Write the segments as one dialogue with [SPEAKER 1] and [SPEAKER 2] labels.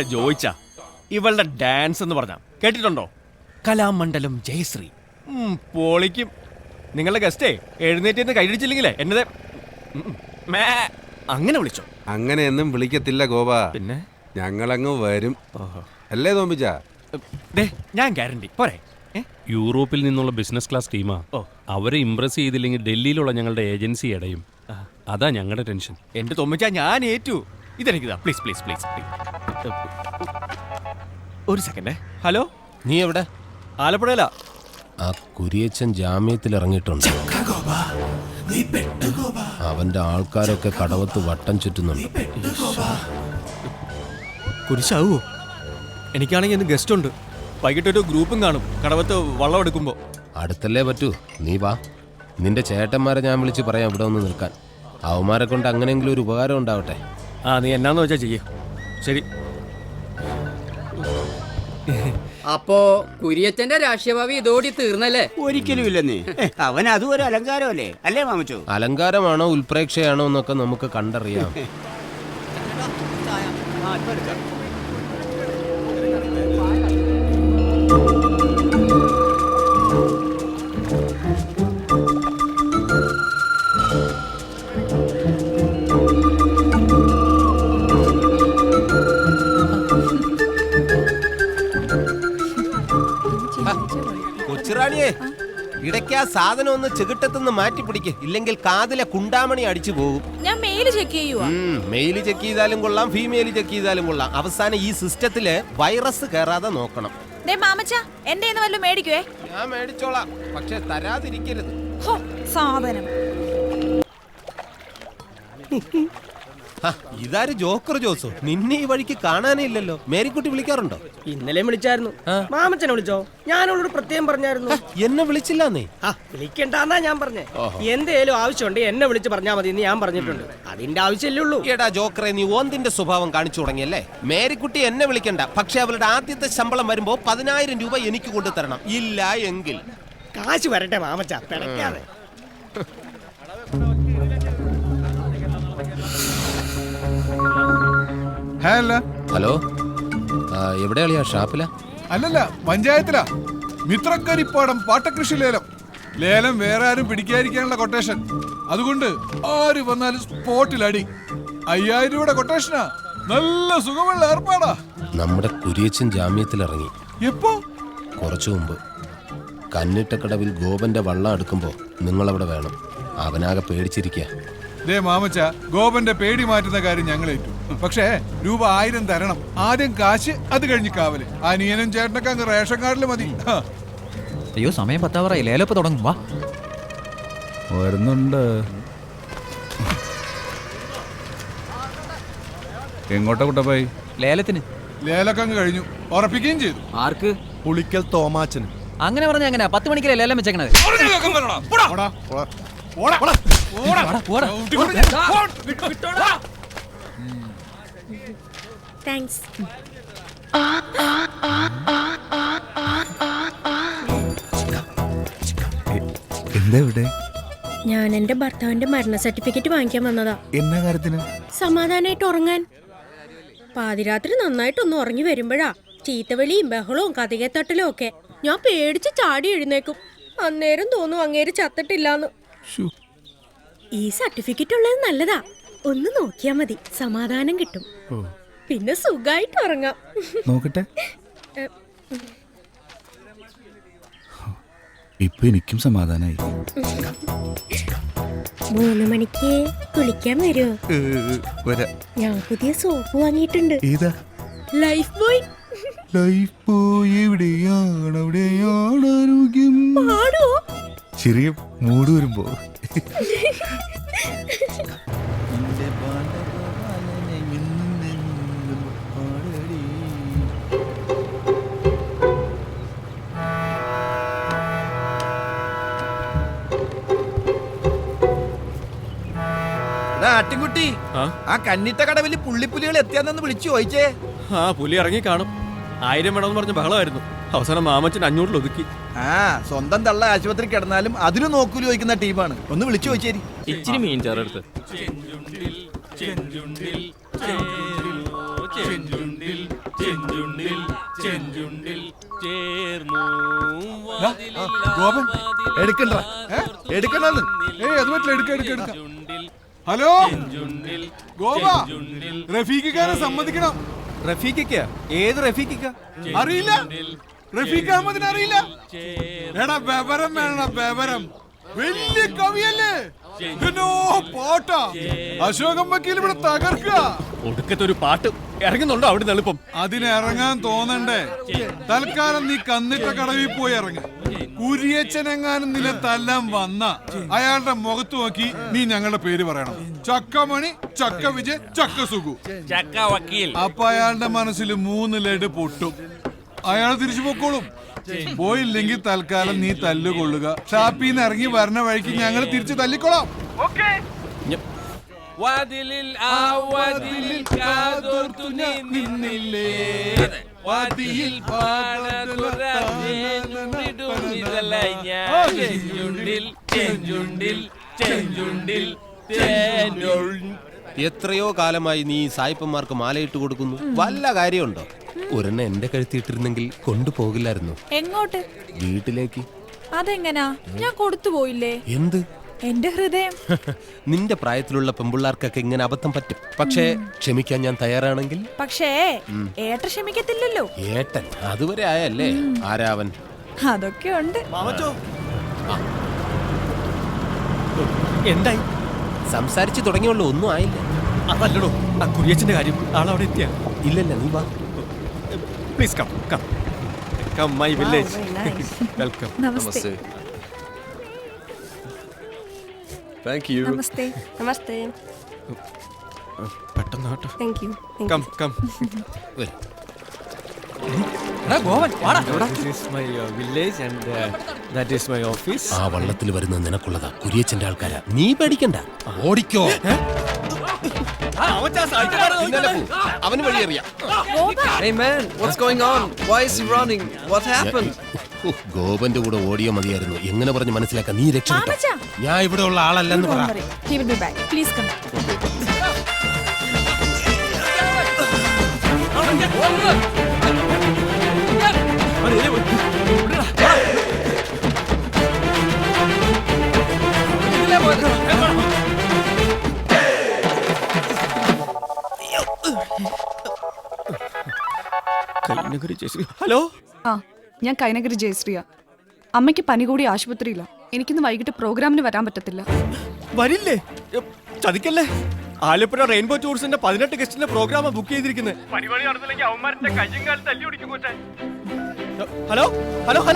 [SPEAKER 1] എന്റെ ജോയിച്ച ഇവളുടെ ഡാൻസ് എന്ന് പറഞ്ഞ കേട്ടിട്ടുണ്ടോ? കലാമണ്ഡലം ജയശ്രീ പൊളിക്കും. നിങ്ങളുടെ ഗസ്റ്റേ എഴുന്നേറ്റ് കൈയടിച്ചില്ലെങ്കിലേ എന്നത് അങ്ങനെ വിളിച്ചോ?
[SPEAKER 2] അങ്ങനെയൊന്നും വിളിക്കത്തില്ല ഗോപ.
[SPEAKER 1] പിന്നെ
[SPEAKER 2] ഞങ്ങളങ്ങ് വരും അല്ലേ തോമ്പിച്ച?
[SPEAKER 1] ഞാൻ ഗ്യാരണ്ടി പോരെ.
[SPEAKER 3] യൂറോപ്പിൽ നിന്നുള്ള ബിസിനസ് ക്ലാസ് ടീമാ. അവരെ ഇംപ്രസ് ചെയ്തില്ലെങ്കിൽ ഡൽഹിയിലുള്ള ഞങ്ങളുടെ ഏജൻസി അടയും. അതാ ഞങ്ങളുടെ ടെൻഷൻ.
[SPEAKER 1] എന്റെ തോമ്പിച്ച ഞാൻ ഏറ്റു. ഇതെനിക്കിതാ പ്ലീസ് പ്ലീസ് പ്ലീസ് ഒരു സെക്കൻഡ്. ഹലോ,
[SPEAKER 4] നീ എവിടെ?
[SPEAKER 1] ആലപ്പുഴയിലാ.
[SPEAKER 4] ആ കുരിയച്ചൻ ജാമ്യത്തിൽ ഇറങ്ങിയിട്ടുണ്ട്. അവന്റെ ആൾക്കാരൊക്കെ കടവത്ത് വട്ടം ചുറ്റുന്നുണ്ട്.
[SPEAKER 1] കുരിശാവോ? എനിക്കാണെങ്കിൽ ഇന്ന് ഗസ്റ്റ് ഉണ്ട്. വൈകിട്ടൊരു ഗ്രൂപ്പും കാണും കടവത്ത് വള്ളം എടുക്കുമ്പോ.
[SPEAKER 4] അടുത്തല്ലേ പറ്റൂ, നീ വാ. നിന്റെ ചേട്ടന്മാരെ ഞാൻ വിളിച്ച് പറയാം ഇവിടെ ഒന്ന് നിൽക്കാൻ. അവന്മാരെ കൊണ്ട് അങ്ങനെയെങ്കിലും ഒരു ഉപകാരം ഉണ്ടാവട്ടെ.
[SPEAKER 1] നീ എന്നാന്ന് വെച്ചാ ചെയ്യ. ശരി.
[SPEAKER 5] അപ്പോ കുര്യച്ചന്റെ രാഷ്ട്രീയഭാവി ഇതോടി തീർന്നല്ലേ?
[SPEAKER 6] ഒരിക്കലും ഇല്ലെന്നേ. അവൻ അതും ഒരു അലങ്കാരമല്ലേ അല്ലേ മാമച്ചോ?
[SPEAKER 4] അലങ്കാരമാണോ ഉൽപ്രേക്ഷയാണോ എന്നൊക്കെ നമുക്ക് കണ്ടറിയാം. കൊച്ചുറാണിയെ, ഇടയ്ക്ക് ആ സാധനം ഒന്ന് ചെകിട്ടത്തുനിന്ന് മാറ്റി പിടിക്ക്, ഇല്ലെങ്കിൽ കാതിലെ കുണ്ടാമണി അടിച്ചു പോകും.
[SPEAKER 7] ഞാൻ മെയിൽ ചെക്ക് ചെയ്യുവാ.
[SPEAKER 4] മെയിൽ ചെക്ക് ചെയ്താലും കൊള്ളാം, ഫീമെയിൽ ചെക്ക് ചെയ്താലും കൊള്ളാം. അവസാനം ഈ സിസ്റ്റത്തില് വൈറസ് കയറാതെ നോക്കണം.
[SPEAKER 7] മാമച്ച എന്റെ വല്ലതും മേടിക്കുവേ.
[SPEAKER 4] ഞാൻ മേടിച്ചോളാം, പക്ഷെ തരാതിരിക്കരുത്.
[SPEAKER 7] സാധനം
[SPEAKER 4] ഇതാര് ജോക്കർ ജോസോ? നിന്നെ ഈ വഴിക്ക് കാണാനേ ഇല്ലല്ലോ. മേരിക്കുട്ടി വിളിക്കാറുണ്ടോ?
[SPEAKER 8] ഇന്നലെ വിളിച്ചായിരുന്നു. മാമച്ചനെ വിളിച്ചോ? ഞാനോട് പ്രത്യേകം പറഞ്ഞായിരുന്നു.
[SPEAKER 4] എന്നെ വിളിച്ചില്ലെന്നേ.
[SPEAKER 8] വിളിക്കണ്ടെന്നാ ഞാൻ പറഞ്ഞേ. എന്തേലും ആവശ്യമുണ്ട് എന്നെ വിളിച്ച് പറഞ്ഞാൽ മതി എന്ന് ഞാൻ പറഞ്ഞിട്ടുണ്ട്. അതിന്റെ ആവശ്യമല്ലേ ഉള്ളൂ.
[SPEAKER 4] എടാ ജോക്കറെ, നീ ഓന്തിന്റെ സ്വഭാവം കാണിച്ചു തുടങ്ങിയല്ലേ. മേരിക്കുട്ടി എന്നെ വിളിക്കണ്ട, പക്ഷെ അവളുടെ ആദ്യത്തെ ശമ്പളം വരുമ്പോ 10,000 രൂപ എനിക്ക് കൊണ്ടുതരണം. ഇല്ല എങ്കിൽ
[SPEAKER 8] കാശ് വരട്ടെ മാമച്ച, പിടയ്ക്കാതെ.
[SPEAKER 4] ഹലോ, എവിടെയാളിയാ? ഷാപ്പിലാ?
[SPEAKER 9] അല്ലല്ല, പഞ്ചായത്തിലാ. മിത്രക്കരിപ്പാടം പാട്ടകൃഷി ലേലം. ലേലം വേറെ ആരും പിടിക്കാതിരിക്കാനുള്ള കൊട്ടേഷൻ. അതുകൊണ്ട് ആര് വന്നാലും സ്പോട്ടിൽ അടി. 5000 രൂപയുടെ കൊട്ടേഷനാ. നല്ല സുഖമുള്ള ഏർപ്പാടാ.
[SPEAKER 4] നമ്മുടെ കുരിയച്ചൻ ജാമ്യത്തിൽ ഇറങ്ങി.
[SPEAKER 9] എപ്പോ?
[SPEAKER 4] കുറച്ചു മുമ്പ്. കന്നിട്ടക്കടവിൽ ഗോപന്റെ വള്ളം എടുക്കുമ്പോ നിങ്ങളവിടെ വേണം. അവനാകെ പേടിച്ചിരിക്കുക.
[SPEAKER 9] ദേ മാമച്ച, ഗോപന്റെ പേടി മാറ്റുന്ന കാര്യം ഞങ്ങൾ ഏറ്റു. പക്ഷേ രൂപ 1000 തരണം. ആദ്യം കാശ്, അത് കഴിഞ്ഞ് കാവല്. അനിയനും ചേട്ടനൊക്കെ അങ്ങ് റേഷൻ കാർഡിൽ മതി.
[SPEAKER 10] അയ്യോ, സമയം 10 ലേലപ്പ് തുടങ്ങും. വാ,
[SPEAKER 9] വരുന്നുണ്ട്. എങ്ങോട്ടാ കുട്ടപ്പായി?
[SPEAKER 10] ലേലത്തിന്.
[SPEAKER 9] ലേലൊക്കെ അങ്ങ് കഴിഞ്ഞു. ഉറപ്പിക്കുകയും ചെയ്തു.
[SPEAKER 10] ആർക്ക്?
[SPEAKER 2] പുളിക്കൽ തോമാച്ചന്.
[SPEAKER 10] അങ്ങനെ പറഞ്ഞ എങ്ങനെ? 10 മണിക്കല്ലേ ലേലം വെച്ചേക്കണത്?
[SPEAKER 7] താങ്ക്സ്.
[SPEAKER 9] എന്താ ഇവിടെ?
[SPEAKER 7] ഞാൻ എന്റെ ഭർത്താവിന്റെ മരണ സർട്ടിഫിക്കറ്റ് വാങ്ങിക്കാൻ വന്നതാ.
[SPEAKER 9] എന്നാ കാര്യത്തിന്?
[SPEAKER 7] സമാധാനായിട്ട് ഉറങ്ങാൻ. പാതിരാത്രി നന്നായിട്ടൊന്ന് ഉറങ്ങി വരുമ്പോഴാ ചീത്തവിളിയും ബഹളവും കതികത്തട്ടലും ഒക്കെ. ഞാൻ പേടിച്ച് ചാടി എഴുന്നേക്കും. അന്നേരം തോന്നും അങ്ങേര് ചത്തിട്ടില്ലാന്ന്. ഈ സർട്ടിഫിക്കറ്റ് ഉള്ളത് നല്ലതാ. ഒന്ന് നോക്കിയാ മതി, സമാധാനം കിട്ടും. പിന്നെ സുഖായിട്ട് ഉറങ്ങാം.
[SPEAKER 9] നോക്കട്ടെ. ഇപ്പൊ എനിക്കും സമാധാനായി.
[SPEAKER 7] 3 മണിക്ക് കുളിക്കാൻ വരുമോ? ഞാൻ പുതിയ സോപ്പ് വാങ്ങിയിട്ടുണ്ട്.
[SPEAKER 9] ഏതാ?
[SPEAKER 7] Life boy.
[SPEAKER 9] ലൈഫ് ബോയ് എവിടെയാണ്? അവിടെയാണ് ആരോഗ്യം.
[SPEAKER 7] പാടോ?
[SPEAKER 9] ചെറിയ മൂട് വരുമ്പോ.
[SPEAKER 6] ആട്ടിൻകുട്ടി, ആ കന്നിട്ട കടവിൽ പുള്ളിപ്പുലികൾ എത്തിയാന്ന് വിളിച്ചു ചോദിച്ചേ.
[SPEAKER 1] പുലി ഇറങ്ങി കാണും. 1000 വേണമെന്ന് പറഞ്ഞ ബഹളമായിരുന്നു. അവസാനം മാമച്ചൻ 500 ഒതുക്കി.
[SPEAKER 6] സ്വന്തം തള്ള ആശുപത്രി കിടന്നാലും അതിന് നോക്കൂലി ചോദിക്കുന്ന ടീമാണ്. ഒന്ന് വിളിച്ചു ചോദിച്ചേരി.
[SPEAKER 3] ഇച്ചിരി മീൻ ചേർത്ത്. ചെഞ്ചുണ്ടിൽ ചെഞ്ചുണ്ടിൽ ചെഞ്ചുണ്ടിൽ ചേർന്നു
[SPEAKER 9] ഗോപൻ
[SPEAKER 6] എടുക്കണ്ട എടുക്കണ്ടെന്ന്.
[SPEAKER 9] ഏയ് അത് പറ്റില്ല, എടുക്ക. ഹലോ ഗോപ, റഫീഖിക്കാരെ സമ്മതിക്കണം.
[SPEAKER 1] റഫീഖിക്ക? ഏത് റഫീഖിക്ക?
[SPEAKER 9] അറിയില്ല? റഫീഖ് അഹമ്മദിനെ അറിയില്ല? എടാ ബബരം വേണം, ബബരം. വലിയ കവിയല്ലേ? എന്നോ പാട്ടാ. അശോകം വക്കീൽ ഇവിടെ തകർക്കുക.
[SPEAKER 1] ഒടുക്കത്തെ ഒരു പാട്ട് ഇറങ്ങുന്നുണ്ടോ അവിടെ നിന്ന് എളുപ്പം?
[SPEAKER 9] അതിനിറങ്ങാൻ തോന്നണ്ടേ? തൽക്കാലം നീ കന്നിട്ട കടവിൽ പോയി ഇറങ്ങ. കുരിയച്ചനെങ്ങാനും നിലത്തെല്ലാം വന്ന അയാളുടെ മുഖത്ത് നോക്കി നീ ഞങ്ങളുടെ പേര് പറയണം. ചക്കമണി, ചക്ക വിജയ്, ചക്ക സുഖു,
[SPEAKER 3] ചക്ക വക്കീൽ.
[SPEAKER 9] അപ്പൊ അയാളുടെ മനസ്സിൽ 3 ലഡ് പൊട്ടും. അയാൾ തിരിച്ചു പൊക്കോളും. പോയില്ലെങ്കിൽ തൽക്കാലം നീ തല്ലുകൊള്ളുക. ഷാപ്പിന്ന് ഇറങ്ങി വരണ വഴിക്ക് ഞങ്ങൾ തിരിച്ചു തല്ലിക്കൊള്ളാം.
[SPEAKER 3] വാതിലിൽ ആ വാതിലിൽ കാതോർത്തു നീ നിന്നില്ലേ, വാതിലിൽ പാടുന്നിതലായി ഞാൻ. ചെഞ്ചുണ്ടിൽ ചെഞ്ചുണ്ടിൽ ചെഞ്ചുണ്ടിൽ
[SPEAKER 4] എത്രയോ കാലമായി നീ സായിപ്പന്മാർക്ക് മാലയിട്ട് കൊടുക്കുന്നു. വല്ല കാര്യമുണ്ടോ? ഒരെണ്ണം എന്റെ കഴുത്തിയിട്ടിരുന്നെങ്കിൽ കൊണ്ടുപോകില്ലായിരുന്നു.
[SPEAKER 7] എങ്ങോട്ട്?
[SPEAKER 4] വീട്ടിലേക്ക്.
[SPEAKER 7] അതെങ്ങനാ? ഞാൻ കൊടുത്തു പോയില്ലേ?
[SPEAKER 4] എന്ത്?
[SPEAKER 7] എന്റെ ഹൃദയം.
[SPEAKER 4] നിന്റെ പ്രായത്തിലുള്ള പെമ്പിള്ളാർക്കൊക്കെ ഇങ്ങനെ അബദ്ധം പറ്റും. പക്ഷേ ക്ഷമിക്കാൻ ഞാൻ തയ്യാറാണെങ്കിൽ.
[SPEAKER 7] പക്ഷേ ഏട്ട ക്ഷമിക്കത്തില്ലല്ലോ.
[SPEAKER 4] ഏട്ടൻ അതുവരെ ആയല്ലേ? ആരാവൻ?
[SPEAKER 7] അതൊക്കെ ഉണ്ട്.
[SPEAKER 1] എന്തായി?
[SPEAKER 4] സംസാരിച്ചു തുടങ്ങിയുള്ളൂ, ഒന്നും ആയില്ല.
[SPEAKER 1] അതല്ലടോ ആ കുരിയച്ചന്റെ കാര്യം. ആളവിടെ എത്തിയ?
[SPEAKER 4] ഇല്ലല്ല, നീ വാ.
[SPEAKER 1] Please come come come my village. Welcome.
[SPEAKER 7] Namaste. Namaste. Namaste.
[SPEAKER 1] പെട്ടെന്ന് കേട്ടോ.
[SPEAKER 7] Thank you.
[SPEAKER 1] Come come. This is my village and that is my office.
[SPEAKER 4] ആ വള്ളത്തിൽ വരുന്ന നിനക്കുള്ളതാ, കുരിയച്ചന്റെ ആൾക്കാരാ. നീ പേടിക്കണ്ട, ഓടിക്കോ. അവന് വഴിയറിയാം. ഗോപന്റെ കൂടെ ഓടിയോ മതിയായിരുന്നു. എങ്ങനെ പറഞ്ഞ് മനസ്സിലാക്കാൻ? നീ രക്ഷപ്പെട്ടോ. ഞാൻ ഇവിടെ ഉള്ള ആളല്ലെന്ന് പറ.
[SPEAKER 7] Please come.
[SPEAKER 1] ഹലോ,
[SPEAKER 7] ഞാൻ കൈനഗിരി ജയശ്രീയ. അമ്മയ്ക്ക് പനി കൂടി ആശുപത്രിയില്ല. എനിക്കിന്ന് വൈകിട്ട് പ്രോഗ്രാമിന് വരാൻ പറ്റത്തില്ല.
[SPEAKER 1] വരില്ലേ? ചതിക്കല്ലേ. ആലപ്പുഴ റെയിൻബോ ടൂറിസ്റ്റിന്റെ 18 ഗസ്റ്റിന്റെ പ്രോഗ്രാം ബുക്ക് ചെയ്തിരിക്കുന്നത്. Hello hello hello.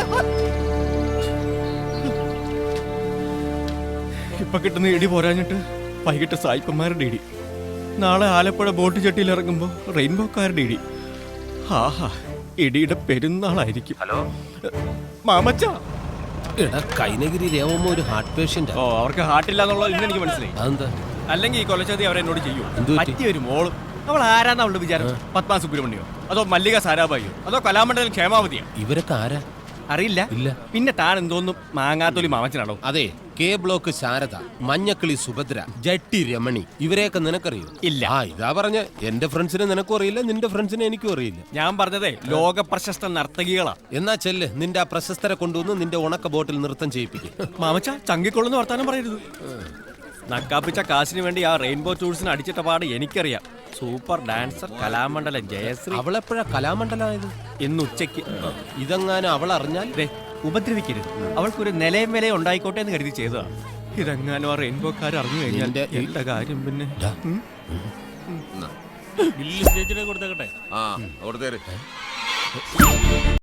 [SPEAKER 1] ഇപ്പൊ കിട്ടുന്ന ഇടി പോരാഞ്ഞിട്ട് വൈകിട്ട് സായിപ്പന്മാരുടെ ഇടി. നാളെ ആലപ്പുഴ ബോട്ട് ചട്ടിയിൽ ഇറങ്ങുമ്പോ റെയിൻബോക്കാരുടെ ഇടി. ആഹാ, ഇടിയുടെ പെരുന്നാളായിരിക്കും. ഹലോ മാമച്ച.
[SPEAKER 4] എടാ, കൈനഗിരി രേവമ്മ ഒരു ഹാർട്ട് പേഷ്യന്റ്.
[SPEAKER 1] ഓ, അവർക്ക് ഹാർട്ടില്ല എന്നുള്ളത് ഇന്ന് എനിക്ക് മനസ്സിലായി.
[SPEAKER 4] അതെന്താ?
[SPEAKER 1] അല്ലെങ്കിൽ ഈ കൊലച്ചതി അവരെന്നോട് ചെയ്യൂ.
[SPEAKER 4] എന്ത് പറ്റി?
[SPEAKER 1] പറ്റിയൊരു മോളും. അവൾ ആരാന്ന് അവളുടെ വിചാരം? പത്മ സുബ്രഹ്മണ്യോ അതോ മല്ലിക സാരാഭായിയോ അതോ കലാമണ്ഡലം ക്ഷേമാവതിയോ?
[SPEAKER 4] ഇവരൊക്കെ ആരാ?
[SPEAKER 1] അറിയില്ല.
[SPEAKER 4] ഇല്ല.
[SPEAKER 1] പിന്നെ താൻ എന്തോന്നും മാങ്ങാത്തൊലി മാമച്ചനാണോ?
[SPEAKER 4] അതെ, കെ ബ്ലോക്ക് ശാരദ, മഞ്ഞക്കിളി സുഭദ്ര, ജട്ടി രമണി, ഇവരെയൊക്കെ നിനക്കറിയോ?
[SPEAKER 1] ഇല്ല.
[SPEAKER 4] ആ, ഇതാ പറഞ്ഞ എന്റെ ഫ്രണ്ട്സിനെ നിനക്കും അറിയില്ല, നിന്റെ ഫ്രണ്ട്സിനെ എനിക്കും അറിയില്ല.
[SPEAKER 1] ഞാൻ പറഞ്ഞതേ ലോക പ്രശസ്ത നർത്തകികളാ.
[SPEAKER 4] എന്നാ ചെല്ല്, നിന്റെ ആ പ്രശസ്തരെ കൊണ്ടുവന്ന് നിന്റെ ഉണക്ക ബോട്ടിൽ നൃത്തം ചെയ്യിപ്പിക്കും.
[SPEAKER 1] മാമച്ച ചങ്കിക്കൊള്ളുന്ന വർത്താനം പറയരുത്. നക്കാപ്പിച്ച കാശിന് വേണ്ടി ആ റെയിൻബോ ടൂറിസ്റ്റിന് അടിച്ചിട്ട പാട് എനിക്കറിയാം. Super dancer Kalamandalam Jayashree.
[SPEAKER 4] അവളെപ്പോഴാ കലാമണ്ഡലമായത്?
[SPEAKER 1] ഇന്ന് ഉച്ചയ്ക്ക്.
[SPEAKER 4] ഇതെങ്ങാനും അവൾ അറിഞ്ഞാൽ
[SPEAKER 1] ഉപദ്രവിക്കരുത്. അവൾക്കൊരു നിലയും വിലയും ഉണ്ടായിക്കോട്ടെ എന്ന് കരുതി ചെയ്തതാ. ഇതെങ്ങാനും ആ റെയിൻബോക്കാർ അറിഞ്ഞു കഴിഞ്ഞാൽ എന്റെ കാര്യം പിന്നെ.
[SPEAKER 3] ബില്ല് സ്റ്റേജിനെ കൊടുത്തേക്കട്ടെ.